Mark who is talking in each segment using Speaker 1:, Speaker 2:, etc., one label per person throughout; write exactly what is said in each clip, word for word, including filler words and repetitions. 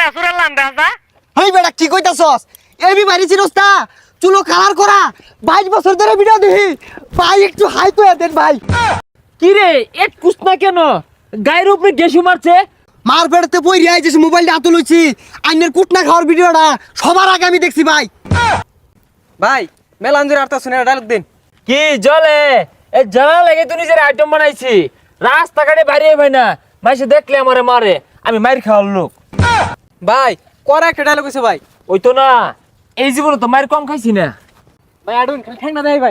Speaker 1: এটা সুরালাম দাদা
Speaker 2: হেই বেটা কি কইতাছস এবি মারি চিরস্তা চুলো কালার করা বাইশ বছর ধরে ভিডিও দেখি ভাই একটু হাই তো দেন ভাই
Speaker 3: কি রে এক কুসনা কেন গায়ের উপরে গেসু মারছে
Speaker 2: মার পেড়তে বই রিয়াই যে মোবাইলটা হাতে লইছি আইনের কুটনা খাওয়ার ভিডিওটা সবার আগে আমি দেখছি ভাই
Speaker 4: ভাই মেলাঞ্জুর আর্তা শুনে ডায়লগ দিন
Speaker 3: কি জলে এই জ্বালা লেগে তুই নিজের আইটেম বানাইছি রাস্তাঘাটে বাইরে ভাই না মাইসে দেখলে আমারে মারে আমি মাইর খাওয়ার লোক
Speaker 4: ভাই করা একটা ডায়লগ আছে ভাই
Speaker 3: ওই তো না এই জীবনে তো মায়ের কম খাইছি না
Speaker 4: ভাই আডুন ঠ্যাং না দেয় ভাই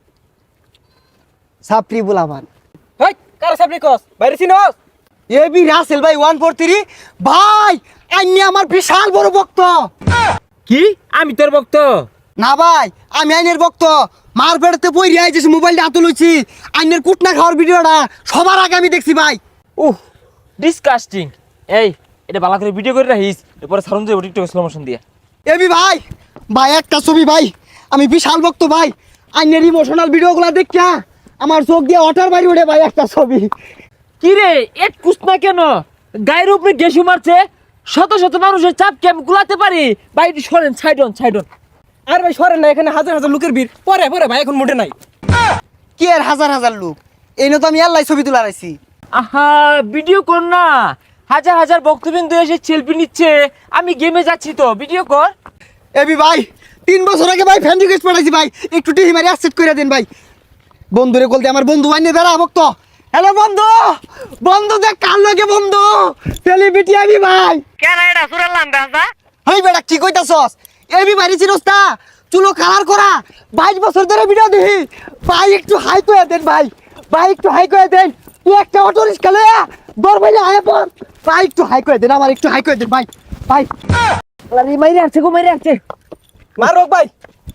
Speaker 2: সাপ্রি বুলামান
Speaker 4: হেই কার সামনে কস বাইরে চিনোস
Speaker 2: এবি রাসেল ভাই ওয়ান ফোর থ্রি ভাই আইনি আমার বিশাল বড় ভক্ত
Speaker 3: কি আমি তোর ভক্ত
Speaker 2: না ভাই আমি আইনের ভক্ত মার পেড়তে বই রিয়াই যে মোবাইলটা হাতে লইছি আইনের কুটনা খাওয়ার ভিডিওটা সবার আগে আমি দেখছি ভাই
Speaker 3: উহ ডিসকাস্টিং এই এটা ভালো করে ভিডিও করে রাখিস এরপরে সারুন যাবো টিকটকে স্লো মোশন দিয়ে
Speaker 2: এবি ভাই ভাই একটা ছবি ভাই আমি বিশাল ভক্ত ভাই আইনের ইমোশনাল ভিডিওগুলো দেখা আমার চোখ দিয়ে ওঠার বাইরে উঠে ভাই একটা ছবি
Speaker 3: কি রে এক কুসনা কেন গায়ের উপরে গেসু মারছে শত শত মানুষের চাপকে আমি গুলাতে পারি বাইরে সরেন সাইডন সাইডন
Speaker 4: আর ভাই সরেন না এখানে হাজার হাজার লোকের ভিড় পরে পরে ভাই এখন মোটে নাই
Speaker 2: কি আর হাজার হাজার লোক এই তো আমি আল্লাহ ছবি তুলে রাখছি
Speaker 3: আহা ভিডিও কর না হাজার হাজার বক্তবিন্দু এসে সেলফি নিচ্ছে আমি গেমে যাচ্ছি তো ভিডিও কর
Speaker 2: এবি ভাই তিন বছর আগে ভাই ফ্যান রিকোয়েস্ট পাঠাইছি ভাই একটু টিহি মারি অ্যাকসেপ্ট করে দেন ভাই বন্ধুরে বলতে আমার বন্ধু আইনে বেড়া ভক্ত হ্যালো বন্ধু বন্ধু দেখ কার লাগে বন্ধু সেলিব্রিটি আমি ভাই
Speaker 1: কেন এটা সুরালাম দাদা
Speaker 2: হেই বেটা কি কইতাছস এবি মারি চিরস্তা চুলো কালার করা বাইশ বছর ধরে ভিডিও দেখি ভাই একটু হাই করে দেন ভাই ভাই একটু হাই করে দেন তুই একটা অটো রিক্সা লয়া দর ভাই আয় পর ভাই একটু হাই করে দেন আমার একটু হাই করে দেন ভাই ভাই
Speaker 3: আরে মাইরে আছে গো মাইরে আছে
Speaker 4: মারো ভাই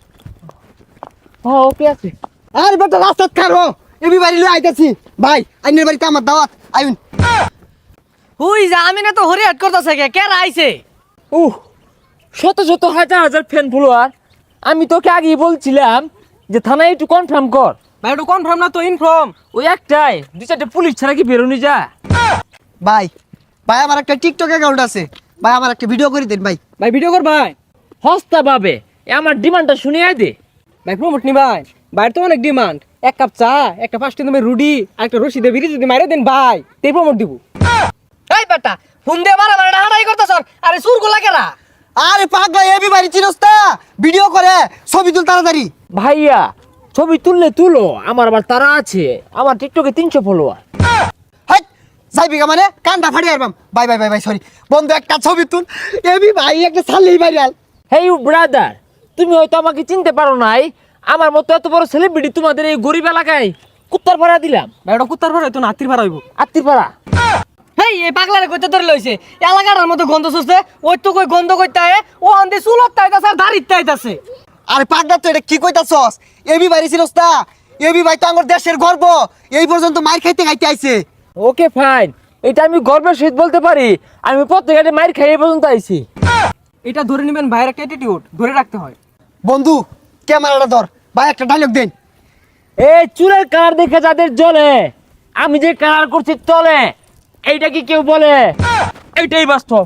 Speaker 3: ও ওকে আছে
Speaker 2: আর বেটা রাস্তা খারো এবি বাড়ি লই আইতাছি ভাই আইনের বাড়িতে আমার দাওয়াত আইন
Speaker 5: হুই যা আমি না তো হরি হাট করতেছে কে কে আইছে
Speaker 3: উহ শত শত হাজার হাজার ফ্যান ফলোয়ার আমি তোকে আগেই বলছিলাম যে থানায় একটু কনফার্ম কর
Speaker 4: ভাই একটু কনফার্ম না তো ইনফর্ম
Speaker 3: ওই একটাই দুই চারটে পুলিশ ছাড়া কি বেরোনি যা
Speaker 2: ভাই ভাই আমার একটা টিকটক অ্যাকাউন্ট আছে ভাই আমার একটা ভিডিও করে দেন ভাই
Speaker 4: ভাই ভিডিও কর ভাই
Speaker 3: হস্তা পাবে এ আমার ডিমান্ডটা শুনিয়ে দে
Speaker 4: ভাই প্রমোট নি ভাই ভাই তো অনেক ডিমান্ড এক কাপ চা একটা ফার্স্ট তুমি রুডি আর একটা রশি দিয়ে বিড়ি যদি মাইরে দেন ভাই তেই প্রমোট দিব
Speaker 5: এই বেটা ফোন দে মারা মারা হাঁটাই করতেছ আরে সুর গোলা কেরা
Speaker 2: আরে পাগলা এবি বাড়ি চিরস্তা ভিডিও করে ছবি তুল তাড়াতাড়ি
Speaker 3: ভাইয়া ছবি তুললে তুলো আমার আবার তারা আছে আমার টিকটকে তিনশো ফলোয়ার
Speaker 2: হাই যাইবি গা মানে কানটা ফাড়ি আরবাম bye bye bye bye sorry বন্ধু একটা ছবি তুল এবি ভাই একটা ছাড়লেই ভাইরাল
Speaker 3: হেই ইউ ব্রাদার তুমি হয়তো আমাকে চিনতে পারো নাই আমার মতো এত বড় সেলিব্রিটি তোমাদের এই গরিব এলাকায় কুত্তার ভাড়া দিলাম
Speaker 4: ভাই ওটা কুত্তার ভাড়া তো নাতির ভাড়া হইব
Speaker 3: আত্মীর ভাড়া
Speaker 5: হেই এই পাগলারে কইতে ধরে লইছে এলাকার মতো গন্ধ শুষছে ওই তো কই গন্ধ কইতে আয় ও আন্দে চুলত তাইতাছে আর দাড়িত তাইতাছে
Speaker 2: আরে পাগলা তো এটা কি কইতাছস এবি বাড়ি চিরস্তা এবি ভাই তো আমার দেশের গর্ব এই পর্যন্ত মার খাইতে খাইতে আইছে
Speaker 3: ওকে ফাইন এটা আমি গর্বের সহিত বলতে পারি আমি প্রত্যেকটা মাইর খাই এই পর্যন্ত আইছি
Speaker 4: এটা ধরে নেবেন ভাইয়ের একটা অ্যাটিটিউড ধরে রাখতে হয়
Speaker 2: বন্ধু ক্যামেরাটা ধর ভাই একটা ডায়লগ দেন
Speaker 3: এই চুলের কালার দেখে যাদের জ্বলে আমি যে কালার করছি চলে এইটা কি কেউ বলে এইটাই বাস্তব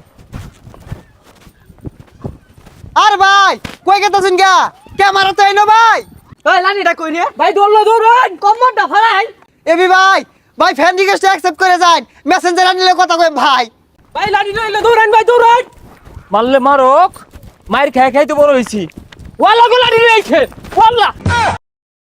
Speaker 2: আর ভাই কই গেতাছেন গা ক্যামেরা তো আইনো ভাই
Speaker 4: এই লানিটা কই রে
Speaker 5: ভাই দৌড়লো দৌড়ান কম্বরটা ফালাই
Speaker 2: এবি ভাই ভাই ফ্যান রিকোয়েস্ট অ্যাকসেপ্ট করে যান মেসেঞ্জার আনিলে কথা কই ভাই
Speaker 4: ভাই লানি লইলে দৌড়ান ভাই দৌড়ান
Speaker 3: মারলে মারক মায়ের খাই খাই তো বড় হয়েছি ওয়াল্লা গোলা নিয়ে ওয়াল্লা